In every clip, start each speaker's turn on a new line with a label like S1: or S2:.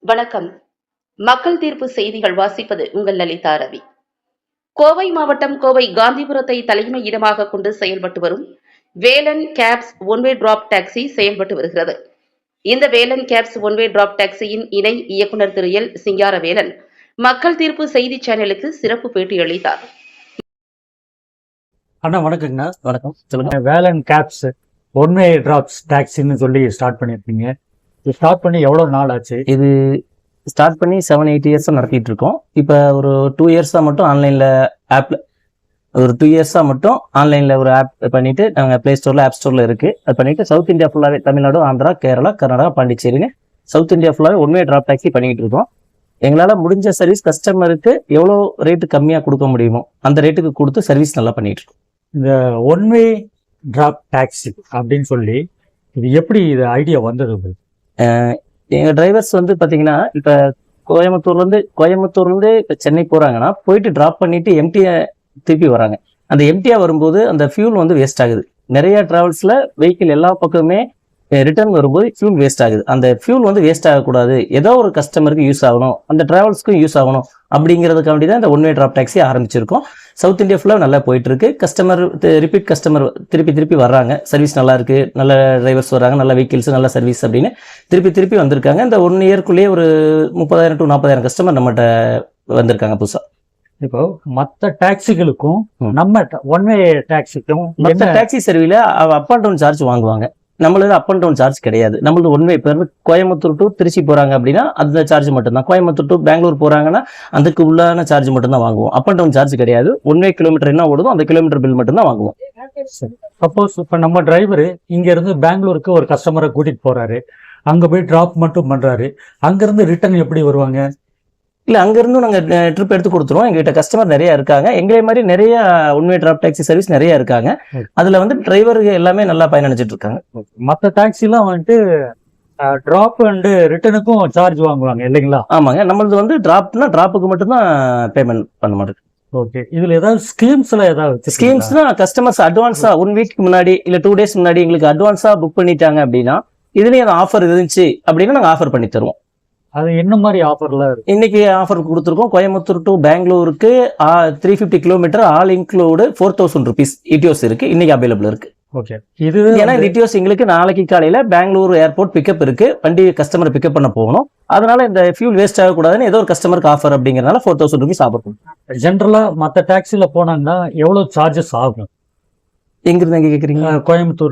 S1: வணக்கம். மக்கள் தீர்ப்பு செய்திகள் வாசிப்பது உங்கள் லலிதா ரவி. கோவை மாவட்டம் கோவை காந்திபுரத்தை தலைமையிடமாக கொண்டு செயல்பட்டு வரும் Velan cabs one way drop taxi செயல்பட்டு வருகிறது. இந்த வேலன் கேப்ஸ் ஒன்வே டிராப் டாக்ஸியின் இணை இயக்குநர் திரு எல் சிங்காரவேலன் மக்கள் தீர்ப்பு செய்தி சேனலுக்கு சிறப்பு பேட்டி அளித்தார்.
S2: அண்ணா வணக்கங்கண்ணா. வணக்கம். சொல்லுங்க. வேலன் கேப்ஸ் ஒன்வே டிராப்ஸ் டாக்ஸின்னு சொல்லி ஸ்டார்ட் பண்ணியிருக்கீங்க. ஸ்டார்ட் பண்ணி எவ்வளோ நாள் ஆச்சு?
S3: இது ஸ்டார்ட் பண்ணி 7-8 இயர்ஸாக நடத்திட்டு இருக்கோம். இப்போ ஒரு 2 இயர்ஸாக மட்டும் ஆன்லைனில் ஆன்லைனில் ஒரு ஆப் பண்ணிட்டு நாங்கள் ப்ளே ஸ்டோரில் ஆப் ஸ்டோரில் இருக்குது. அது பண்ணிட்டு சவுத் இந்தியா ஃபுல்லாகவே தமிழ்நாடு, ஆந்திரா, கேரளா, கர்நாடகா, பாண்டிச்சேரின்னு சவுத் இந்தியா ஃபுல்லாகவே ஒன்வே டிராப் டாக்ஸி பண்ணிக்கிட்டு இருக்கோம். எங்களால் முடிஞ்ச சர்வீஸ் கஸ்டமருக்கு எவ்வளோ ரேட்டு கம்மியாக கொடுக்க முடியுமோ அந்த ரேட்டுக்கு கொடுத்து சர்வீஸ் நல்லா பண்ணிட்டு இருக்கோம்.
S2: இந்த ஒன்வே டிராப் டாக்ஸி அப்படின்னு சொல்லி இது எப்படி இது ஐடியா வந்தது உங்களுக்கு?
S3: எங்கள் டிரைவர்ஸ் வந்து பார்த்தீங்கன்னா இப்போ கோயம்புத்தூர்லேருந்து இப்போ சென்னை போகிறாங்கன்னா போயிட்டு ட்ராப் பண்ணிட்டு எம்டியை திருப்பி வராங்க. அந்த எம்டியாக வரும்போது அந்த ஃபியூல் வந்து வேஸ்ட் ஆகுது. நிறைய டிராவல்ஸில் வெஹிக்கிள் எல்லா பக்கமே ரிட்டர்ன் வரும்போது ஃபியூல் வேஸ்ட் ஆகுது. அந்த ஃபியூல் வந்து வேஸ்ட் ஆகக்கூடாது, ஏதோ ஒரு கஸ்டமருக்கு யூஸ் ஆகணும், அந்த டிராவல்ஸ்க்கும் யூஸ் ஆகணும் அப்படிங்கிறதுக்காண்டி தான் இந்த ஒன்வே டிராப் டாக்ஸி ஆரம்பிச்சிருக்கோம். சவுத் இந்தியா ஃபுல்லாக நல்லா போயிட்டு இருக்கு. கஸ்டமர் ரிப்பீட் கஸ்டமர் திருப்பி வர்றாங்க. சர்வீஸ் நல்லா இருக்கு, நல்ல டிரைவர்ஸ் வர்றாங்க, நல்ல வெஹிக்கிள்ஸ், நல்ல சர்வீஸ் அப்படின்னு திருப்பி வந்திருக்காங்க. இந்த 1 இயர்க்குள்ளேயே ஒரு 30,000 to 40,000 கஸ்டமர் நம்மகிட்ட வந்திருக்காங்க புதுசா.
S2: இப்போ மற்ற டாக்ஸிகளுக்கும் நம்ம ஒன்வே டாக்ஸிக்கும்
S3: மற்ற டாக்ஸி சர்வீல அப் அண்ட் டவுன் சார்ஜ் வாங்குவாங்க. நம்மளது அப் அண்ட் டவுன் சார்ஜ் கிடையாது. நம்மளது ஒன்வே இப்போ கோயம்புத்தூர் டு திருச்சி போறாங்க அப்படின்னா அந்த சார்ஜ் மட்டும்தான். கோயம்புத்தூர் டு பெங்களூர் போறாங்கன்னா அதுக்கு உள்ளான சார்ஜ் மட்டும்தான் வாங்குவோம். அப் அண்ட் டவுன் சார்ஜ் கிடையாது. ஒன்வே கிலோமீட்டர் என்ன ஓடுதோ அந்த கிலோமீட்டர் பில் மட்டும்தான் வாங்குவோம்.
S2: சப்போஸ் இப்போ நம்ம டிரைவர் இங்க இருந்து பெங்களூருக்கு ஒரு கஸ்டமரை கூட்டிட்டு போறாரு, அங்க போய் டிராப் மட்டும் பண்றாரு, அங்கிருந்து ரிட்டர்ன் எப்படி வருவாங்க?
S3: இல்லை, அங்கேருந்தும் நாங்கள் ட்ரிப் எடுத்து கொடுத்துருவோம். எங்ககிட்ட கஸ்டமர் நிறைய இருக்காங்க. எங்களே மாதிரி நிறைய ஒன்வே டிராப் டாக்ஸி சர்வீஸ் நிறைய இருக்காங்க. அதில் வந்து டிரைவருக்கு எல்லாமே நல்லா பயனடைஞ்சிட்டு இருக்காங்க.
S2: மற்ற டாக்ஸிலாம் வந்துட்டு டிராப் அண்ட் ரிட்டர்னுக்கும் சார்ஜ் வாங்குவாங்க இல்லைங்களா?
S3: ஆமாங்க. நம்மளது வந்து டிராப்புக்கு மட்டும்தான் பேமெண்ட் பண்ண மாட்டேங்குது.
S2: ஓகே. இதுல ஏதாவது
S3: ஸ்கீம்ஸ்னா கஸ்டமர்ஸ் அட்வான்ஸா 1 வீக் முன்னாடி இல்ல 2 டேஸ் முன்னாடி எங்களுக்கு அட்வான்ஸா புக் பண்ணிட்டாங்க அப்படின்னா இதுலயும் அந்த ஆஃபர் இருந்துச்சு அப்படின்னா நாங்கள் ஆஃபர் பண்ணி தருவோம்.
S2: அது என்ன மாதிரி ஆஃபர்ல இருக்கு?
S3: இன்னைக்கு ஆஃபர் கொடுத்துருக்கோம். கோயம்புத்தூர் டு பெங்களூருக்கு 350 kilometre all include 4,000 rupees Etios இருக்கு. இன்னைக்கு அவைலபிள் இருக்கு.
S2: ஓகே. இது
S3: ஏன்னா இடியோஸ் எங்களுக்கு நாளைக்கு காலையில பெங்களூர் ஏர்போர்ட் பிக்கப் இருக்கு. வண்டி கஸ்டமர் பிக்கப் பண்ண போகணும். அதனால இந்த ஃபியூல் வேஸ்ட் ஆகக்கூடாதுன்னு ஏதோ ஒரு கஸ்டமருக்கு ஆஃபர் அப்படிங்கறதுனால 4,000 rupees ஆஃபர் பண்ணுவோம்.
S2: ஜென்ரலா மற்ற டாக்ஸில போனாங்கன்னா எவ்வளவு சார்ஜஸ் ஆகும்?
S3: எங்கிருந்து எங்க கேக்குறீங்க?
S2: கோயம்புத்தூர்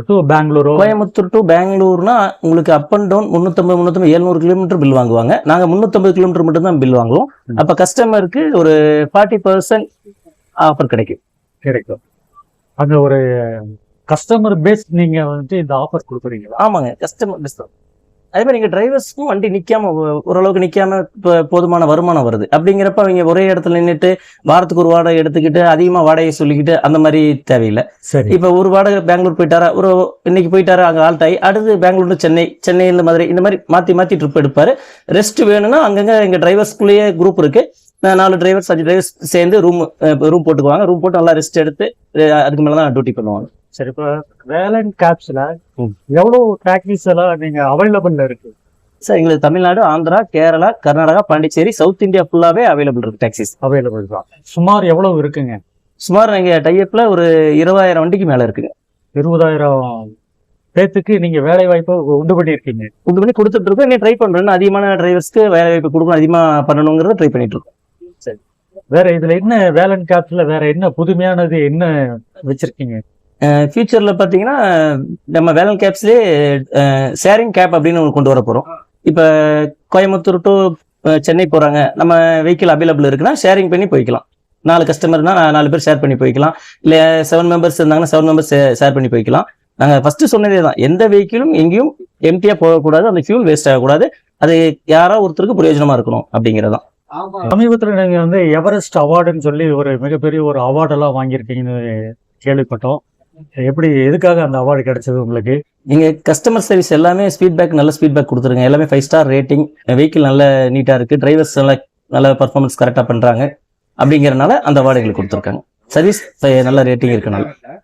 S2: டு
S3: பெங்களூர்னா உங்களுக்கு up and down 350 700 kilometre bill வாங்குவாங்க. நாங்க 350 கிலோமீட்டர் மட்டும் தான் பில் வாங்குவோம். அப்ப கஸ்டமருக்கு ஒரு 40% ஆஃபர் கிடைக்கும்.
S2: அங்க ஒரு கஸ்டமர் பேஸ் நீங்க வந்துட்டு இந்த ஆஃபர் கொடுக்குறீங்களா?
S3: ஆமாங்க, கஸ்டமர் பேஸ் தான். அதே மாதிரி எங்க டிரைவர்ஸ்க்கும் வண்டி நிக்காம ஓரளவுக்கு நிக்காம போதுமான வருமானம் வருது. அப்படிங்கிறப்ப அவங்க ஒரே இடத்துல நின்றுட்டு வாரத்துக்கு ஒரு வாடகை எடுத்துக்கிட்டு அதிகமா வாடகையை சொல்லிக்கிட்டு அந்த மாதிரி தேவையில்லை.
S2: சரி.
S3: இப்ப ஒரு வாடகை பெங்களூர் போயிட்டாரா, இன்னைக்கு போயிட்டாரா அங்க ஆல்ட் ஆகி அடுத்து பெங்களூர் சென்னை இந்த மாதிரி மாத்தி ட்ரிப் எடுப்பாரு. ரெஸ்ட் வேணும்னா அங்கங்க எங்க டிரைவர்ஸ்குள்ளேயே குரூப் இருக்கு. 4 டிரைவர்ஸ் 5 டிரைவர்ஸ் சேர்ந்து ரூம் போட்டுக்குவாங்க. ரூம் போட்டு நல்லா ரெஸ்ட் எடுத்து அதுக்கு மேலதான் டியூட்டி பண்ணுவாங்க.
S2: சரி. இப்போ வேலன் கேப்ஸ்ல எவ்வளவு டாக்ஸிஸ் எல்லாம் நீங்க அவைலபிள்ல இருக்கு?
S3: சார், எங்களுக்கு தமிழ்நாடு, ஆந்திரா, கேரளா, கர்நாடகா, பாண்டிச்சேரி, சவுத் இந்தியா ஃபுல்லாவே அவைலபிள் இருக்கு. டாக்ஸிஸ்
S2: அவைலபிள் தான். சுமார் எவ்வளவு இருக்குங்க?
S3: சுமார் எங்க டைப்ல ஒரு 20,000 வண்டிக்கு மேல இருக்குங்க.
S2: 20,000 பேத்துக்கு நீங்க வேலை வாய்ப்பு உண்டு பண்ணி
S3: கொடுத்துட்டு இருக்கோம். இன்னும் ட்ரை பண்றோம். அதிகமான டிரைவர்ஸ்க்கு வேலை வாய்ப்பு கொடுக்கணும், அதிகமா பண்ணணுங்கிறத ட்ரை பண்ணிட்டு இருக்கோம்.
S2: சரி. வேற இதுல என்ன வேலன் கேப்ஸ்ல வேற என்ன புதுமையானது என்ன வச்சிருக்கீங்க?
S3: ஃபியூச்சர்ல பாத்தீங்கன்னா நம்ம வேலன் கேப்ஸ்லேயே ஷேரிங் கேப் அப்படின்னு கொண்டு வர போறோம். இப்ப கோயம்புத்தூர் டு சென்னை போறாங்க, நம்ம வெஹிக்கிள் அவைலபிள் இருக்குன்னா ஷேரிங் பண்ணி போய்க்கலாம். 4 கஸ்டமர்னா 4 பேர் ஷேர் பண்ணி போய்க்கலாம். இல்ல 7 மெம்பர்ஸ் இருந்தாங்கன்னா 7 மெம்பர்ஸ் ஷேர் பண்ணி போய்க்கலாம். நாங்க ஃபர்ஸ்ட் சொன்னதே தான், எந்த வெஹிக்கிளும் எங்கேயும் எம்டியா போகக்கூடாது, அந்த ஃபியூல் வேஸ்ட் ஆகக்கூடாது, அது யாரோ ஒருத்தருக்கு பிரயோஜனமா இருக்கணும் அப்படிங்கறதான்.
S2: சமீபத்துல நீங்க வந்து எவரெஸ்ட் அவார்டுன்னு சொல்லி ஒரு மிகப்பெரிய ஒரு அவார்டெல்லாம் வாங்கியிருக்கீங்கன்னு கேள்விப்பட்டோம். எப்படி, எதுக்காக அந்த அவார்டு கிடைச்சது உங்களுக்கு?
S3: நீங்க கஸ்டமர் சர்வீஸ் எல்லாமே நல்ல ஸ்பீட்பேக் கொடுத்துருங்க. எல்லாமே 5 ஸ்டார் ரேட்டிங், வெஹிக்கிள் நல்ல நீட்டா இருக்கு, டிரைவர்ஸ் நல்ல பர்ஃபார்மன்ஸ் கரெக்டா பண்றாங்க அப்படிங்கறதுனால அந்த அவார்டு எங்களுக்கு கொடுத்துருக்காங்க. சர்வீஸ் நல்ல ரேட்டிங் இருக்கனால.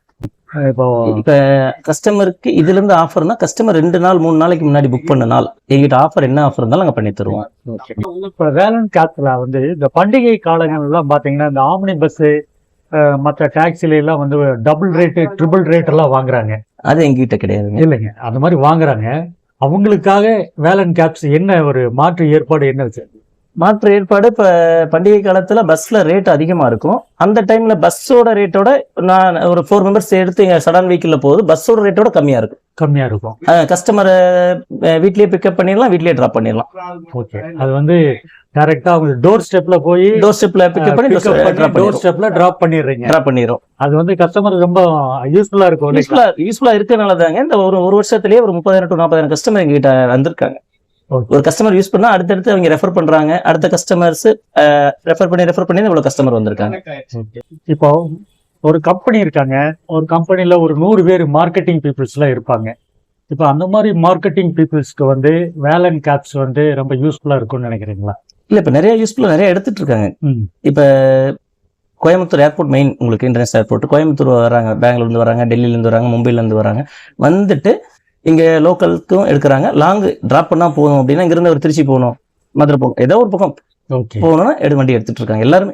S2: இப்போ
S3: இப்ப கஸ்டமருக்கு இதுல இருந்து ஆஃபர்னா கஸ்டமர் 2 நாள் 3 நாளைக்கு முன்னாடி புக் பண்ண நாள் எங்கிட்ட ஆஃபர் என்ன ஆஃபர் இருந்தாலும் நாங்க பண்ணி தருவோம்.
S2: இப்போ வேலன் கேப்ஸ்ல வந்து இந்த பண்டிகை காலங்கள்லாம் பாத்தீங்கன்னா இந்த ஆம்னி பஸ் மற்ற டாக்ஸில எல்லாம் வந்து டபுள் ரேட்டு ட்ரிபிள் ரேட் எல்லாம் வாங்குறாங்க.
S3: அது எங்ககிட்ட கிடையாதுங்க.
S2: இல்லைங்க, அந்த மாதிரி வாங்குறாங்க. அவங்களுக்காக வேலன் கேப்ஸ் என்ன ஒரு மாற்று ஏற்பாடு என்ன வச்சு?
S3: மாற்று ஏற்பாடு இப்ப பண்டிகை காலத்துல பஸ்ல ரேட் அதிகமா இருக்கும். அந்த டைம்ல பஸ்ஸோட ரேட்டோட நான் ஒரு 4 மெம்பர்ஸ் எடுத்து சடான் வெஹிக்கிள்ல போகுது, பஸ்ஸோட ரேட்டோட கம்மியா இருக்கும்.
S2: கம்மியா இருக்கும்.
S3: கஸ்டமரை வீட்லயே பிக்கப் பண்ணிடலாம், வீட்லயே டிராப் பண்ணிடலாம்.
S2: ஓகே, அது வந்து டைரக்டா அவங்க டோர் ஸ்டெப்ல போய்
S3: டோர் ஸ்டெப்ல பிக்கப் பண்ணி
S2: டோர் ஸ்டெப்ல டிராப் பண்ணிடுறீங்க.
S3: டிராப் பண்ணிடுறோம்.
S2: அது வந்து கஸ்டமர் ரொம்ப யூஸ்ஃபுல்லா இருக்கும்.
S3: யூஸ்ஃபுல்லா இருக்கனால தாங்க இந்த ஒரு வருஷத்துலயே ஒரு 30,000 to 40,000 கஸ்டமர் எங்ககிட்ட வந்திருக்காங்க. ஒரு கஸ்டமர் யூஸ் பண்ணா அடுத்தடுத்து அவங்க ரெஃபர் பண்றாங்க, அடுத்த கஸ்டமர்ஸ் ரெஃபர் பண்ணி இவ்வளவு கஸ்டமர் வந்திருக்காங்க.
S2: இப்போ ஒரு கம்பெனி இருக்காங்க, ஒரு கம்பெனில ஒரு 100 பேர் மார்க்கெட்டிங் பீப்புள்ஸ் எல்லாம் இருப்பாங்க. இப்போ அந்த மாதிரி மார்க்கெட்டிங் பீப்புள்ஸ்க்கு வந்து வேலன் கேப்ஸ் வந்து ரொம்ப யூஸ்ஃபுல்லா இருக்கும்னு நினைக்கிறீங்களா?
S3: இல்ல இப்ப நிறைய யூஸ்ஃபுல்லா நிறைய எடுத்துட்டு இருக்காங்க. இப்ப கோயம்புத்தூர் ஏர்போர்ட் மெயின் உங்களுக்கு இன்டர்நேஷனல் ஏர்போர்ட், கோயம்புத்தூர் வராங்க, பெங்களூர்ல இருந்து வராங்க, டெல்லியில இருந்து வராங்க, மும்பைல இருந்து வராங்க, வந்துட்டு இங்க லோக்கலுக்கும் எடுக்கிறாங்க. லாங் டிராப் பண்ணா போகணும் அப்படின்னா இங்க இருந்து ஒரு திருச்சி போகணும், மதுரை போகணும், ஏதோ ஒரு பக்கம் போகணும்னா வண்டி எடுத்துட்டு இருக்காங்க எல்லாருமே.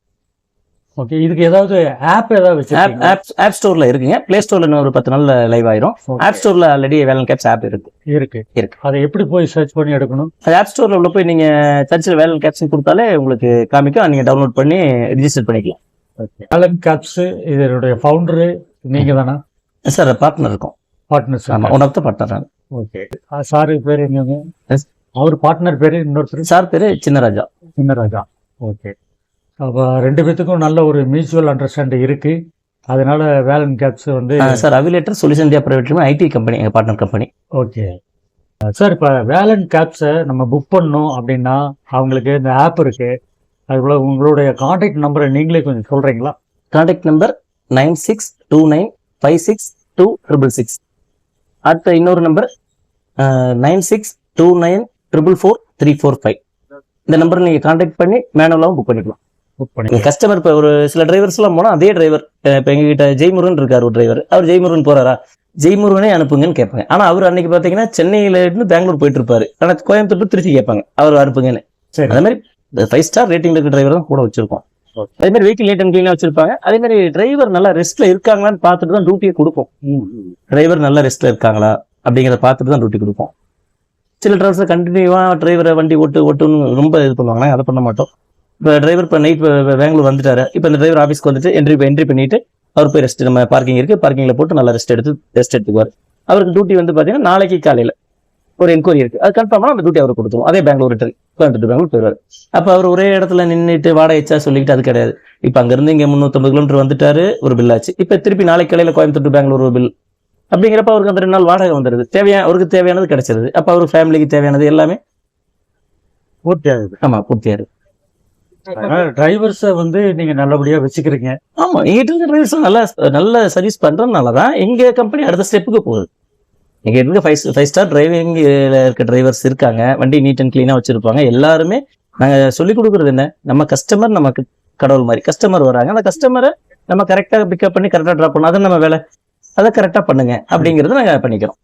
S2: ஓகே, இதுக்கு ஏதாவது ஆப் ஏதாவது வச்சிருக்கீங்களா?
S3: ஆப் ஸ்டோர்ல இருக்குங்க. பிளே ஸ்டோர்ல ஒரு 10 நாள்ல லைவ் ஆயிரும். ஆப் ஸ்டோர்ல ஆல்ரெடி வேலன் கேப்ஸ் ஆப் இருக்கு.
S2: அதை எப்படி போய் சர்ச் பண்ணி எடுக்கணும்?
S3: அது ஆப் ஸ்டோர்ல உள்ள போய் நீங்க சர்ச்சில் வேலன் கேப்ஸ் கொடுத்தாலே உங்களுக்கு காமிக்கும், நீங்க டவுன்லோட் பண்ணி ரிஜிஸ்டர் பண்ணிக்கலாம்.
S2: வேலன் கேப்ஸ் இதனுடைய ஃபவுண்டர் நீங்க தானா
S3: சார்? பார்ட்னர் இருக்கும்.
S2: பார்ட்னர்ஸ்?
S3: ஆமா, one of the partner.
S2: Okay, sir பேர் என்னங்க? அவர் பார்ட்னர் பேரு இன்னொருத்தர்?
S3: சார் பேரு சின்னராஜா.
S2: ஓகே, அப்போ 2 பேத்துக்கும் நல்ல ஒரு மியூச்சுவல் அண்டர்ஸ்டாண்டிங் இருக்கு. அதனால வேலன் கேப்ஸ் வந்து
S3: sir Aviator solution India private limited IT company, எங்க பார்ட்னர் கம்பெனி.
S2: ஓகே சார், இப்போ வேலன் கேப்ஸை நம்ம புக் பண்ணணும் அப்படின்னா அவங்களுக்கு இந்த ஆப் இருக்கு, அதுபோல உங்களுடைய கான்டாக்ட் நம்பரை நீங்களே கொஞ்சம் சொல்றீங்களா?
S3: Contact number 9629562666. அடுத்த இன்னொரு நம்பர் 9629444345. இந்த நம்பர் நீங்க கான்டாக்ட் பண்ணி மேனுவலாவும் புக் பண்ணிக்கலாம். கஸ்டமர் இப்ப ஒரு சில டிரைவர்ஸ் எல்லாம் போனா அதே டிரைவர் இப்ப எங்க கிட்ட ஜெய்முருகன் இருக்காரு ஒரு டிரைவர், அவர் ஜெய்முருகன் போறாரா, ஜெய்முருகனே அனுப்புங்கன்னு கேட்பாங்க. ஆனா அவர் அன்னைக்கு பாத்தீங்கன்னா சென்னையில இருந்து பெங்களூர் போயிட்டு இருப்பாரு, ஆனா கோயம்புத்தூர் திருச்சி கேட்பாங்க, அவர் அனுப்புங்கன்னு. அதே மாதிரி 5 ஸ்டார் ரேட்டிங் இருக்க டிரைவர் தான் கூட வச்சிருக்கோம். அதே மாதிரி வெஹிக்கிள் நீட் அண்ட் கிளீனா வச்சிருப்பாங்க. அதே மாதிரி டிரைவர் நல்லா ரெஸ்ட்ல இருக்காங்களான்னு பார்த்துட்டு தான் டியூட்டியை கொடுப்போம். டிரைவர் நல்லா ரெஸ்ட்ல இருக்காங்களா அப்படிங்கிறத பார்த்துட்டு தான் டியூட்டி கொடுப்போம். சில டிரைவர்ஸ் கண்டினியூவா டிரைவரை வண்டி ஓட்டுன்னு ரொம்ப இது பண்ணுவாங்க, அதை பண்ண மாட்டோம். இப்போ டிரைவர் இப்போ நைட் பெங்களூர் வந்துட்டாரு, இப்போ இந்த டிரைவர் ஆஃபீஸ்க்கு வந்துட்டு என்ட்ரி பண்ணிட்டு அவர் போய் ரெஸ்ட், நம்ம பார்க்கிங் இருக்கு, பார்க்கிங்ல போட்டு நல்லா ரெஸ்ட் எடுத்துக்குவார். அவருக்கு டியூட்டி வந்து பாத்தீங்கன்னா நாளைக்கு காலையில ஒரு என்கொயரி இருக்கு, அது கன்ஃபார்ம் அந்த டியூட்டி அவருக்கு கொடுத்துருவோம். அதே பெங்களூர் ரிட்டர்ன் கோயம்புத்தூர் பெங்களூர் போயிடுவார். அப்ப அவர் ஒரே இடத்துல நின்றுட்டு வாடகை எச்சா சொல்லிட்டு அது கிடையாது. இப்ப அங்க இருந்து இங்க 350 கிலோமீட்டர் வந்துட்டாரு, ஒரு பில் ஆச்சு. இப்ப திருப்பி நாளைக்கு காலையில கோயம்புத்தூர் பெங்களூர் ஒரு பில் அப்படிங்கிறப்ப அவருக்கு அந்த 2 நாள் வாடகை வந்துருது, அவருக்கு தேவையானது கிடைச்சிருது. அப்ப அவருக்கு ஃபேமிலிக்கு தேவையானது எல்லாமே பூர்த்தி ஆகுது. ஆமா, பூர்த்தி ஆகுது.
S2: டிரைவர்ஸை வந்து நீங்க நல்லபடியா வச்சுக்கிறீங்க.
S3: ஆமா, எங்கிட்ட இருக்க டிரைவர்ஸ் நல்ல சர்வீஸ் பண்றதுனாலதான் எங்க கம்பெனி அடுத்த ஸ்டெப்புக்கு போகுது. எங்க இருக்க 5 ஸ்டார் டிரைவிங் இருக்க டிரைவர்ஸ் இருக்காங்க, வண்டி நீட் அண்ட் கிளீனா வச்சிருப்பாங்க. எல்லாருமே நாங்க சொல்லிக் கொடுக்குறது என்ன, நம்ம கஸ்டமர் நமக்கு கடவுள் மாதிரி. கஸ்டமர் வராங்க, அந்த கஸ்டமரை நம்ம கரெக்டா பிக்கப் பண்ணி கரெக்டா டிராப் பண்ணணும், அது நம்ம வேலை, அதை கரெக்டா பண்ணுங்க அப்படிங்கறத நாங்க பண்ணிக்கிறோம்.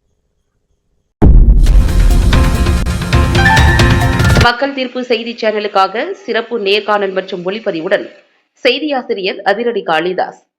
S1: மக்கள் தீர்ப்பு செய்தி சேனலுக்காக சிறப்பு நேர்காணல் மற்றும் ஒளிப்பதிவுடன் செய்தியாசிரியர் அதிரடி காளிதாஸ்.